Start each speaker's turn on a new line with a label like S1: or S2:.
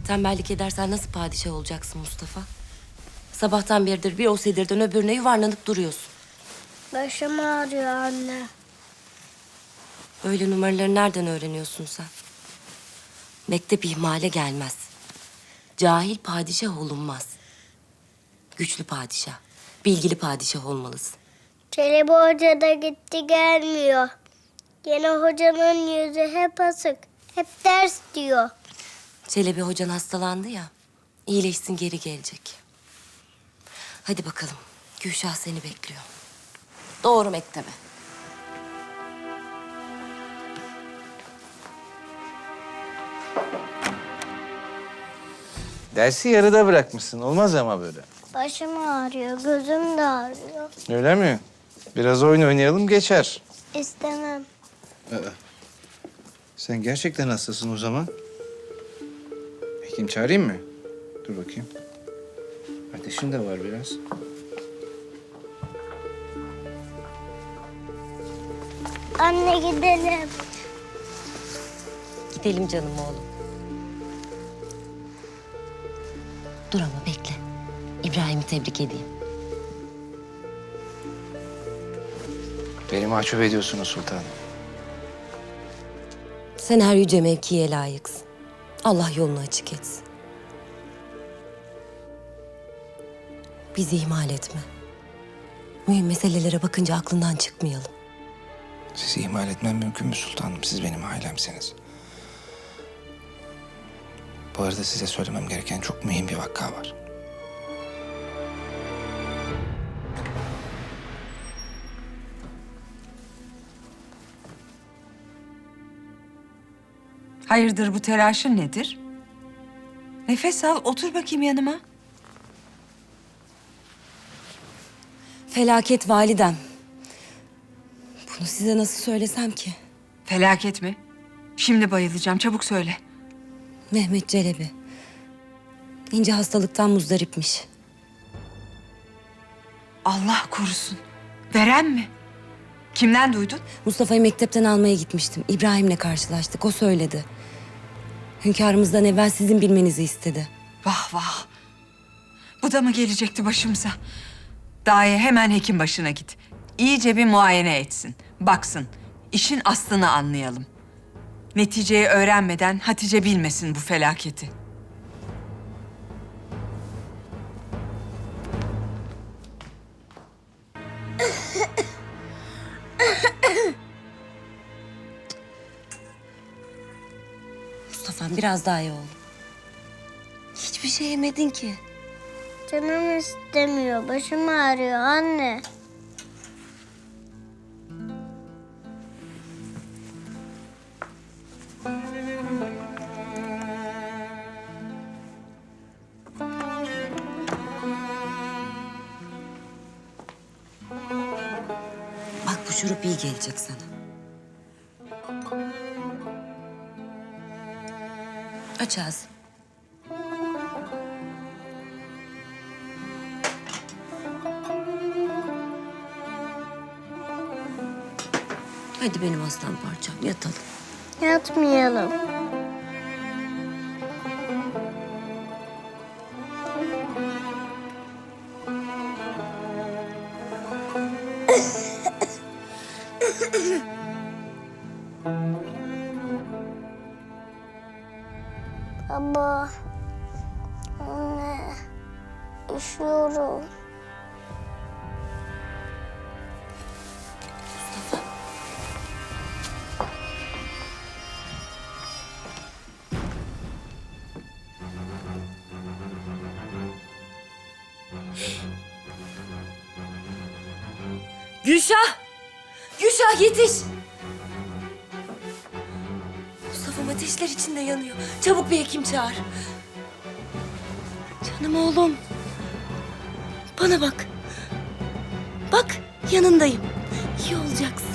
S1: Tembellik edersen nasıl padişah olacaksın Mustafa? Sabahtan beridir bir o sedirden öbürüne yuvarlanıp duruyorsun.
S2: Başım ağrıyor anne.
S1: Böyle numaraları nereden öğreniyorsun sen? Mektep ihmale gelmez. Cahil padişah olunmaz. Güçlü padişah, bilgili padişah olmalısın.
S2: Çelebi Hoca da gitti gelmiyor. Yine hocanın yüzü hep asık. Hep ders diyor.
S1: Çelebi hocan hastalandı ya, iyileşsin geri gelecek. Hadi bakalım, Gülşah seni bekliyor. Doğru mektebe.
S3: Dersi yarıda bırakmışsın. Olmaz ama böyle.
S2: Başım ağrıyor, gözüm de ağrıyor.
S3: Öyle mi? Biraz oyun oynayalım geçer.
S2: İstemem.
S3: Sen gerçekten hastasın o zaman. Hekim çağırayım mı? Dur bakayım. Ateşin de var biraz.
S2: Anne gidelim.
S1: Gidelim canım oğlum. Dur ama bekle. İbrahim'i tebrik edeyim.
S3: Beni mahcup ediyorsunuz sultanım.
S1: Sen her yüce mevkiye layıksın. Allah yolunu açık etsin. Bizi ihmal etme. Mühim meselelere bakınca aklından çıkmayalım.
S3: Sizi ihmal etmem mümkün mü sultanım? Siz benim ailemsiniz. Bu arada size söylemem gereken çok mühim bir vakka var.
S4: Hayırdır bu telaşın nedir? Nefes al, otur bakayım yanıma.
S1: Felaket validem. Bunu size nasıl söylesem ki?
S4: Felaket mi? Şimdi bayılacağım, çabuk söyle.
S1: Mehmet Çelebi. İnce hastalıktan muzdaripmiş.
S4: Allah korusun. Veren mi? Kimden duydun?
S1: Mustafa'yı mektepten almaya gitmiştim. İbrahim'le karşılaştık. O söyledi. Hünkârımızdan evvel sizin bilmenizi istedi.
S4: Vah vah. Bu da mı gelecekti başımıza? Daye hemen hekim başına git. İyice bir muayene etsin. Baksın. İşin aslını anlayalım. Neticeyi öğrenmeden Hatice bilmesin bu felaketi.
S1: Mustafa'm biraz daha iyi oğlum. Hiçbir şey yemedin ki.
S2: Canım istemiyor, başım ağrıyor anne.
S1: Bak bu şurup iyi gelecek sana. Aç ağzını. Hadi benim aslan parçam yatalım.
S2: Yatmayalım. Baba, anne, üşüyorum.
S1: Gülşah! Gülşah yetiş! Mustafa'm ateşler içinde yanıyor. Çabuk bir hekim çağır. Canım oğlum. Bana bak. Bak yanındayım. İyi olacaksın.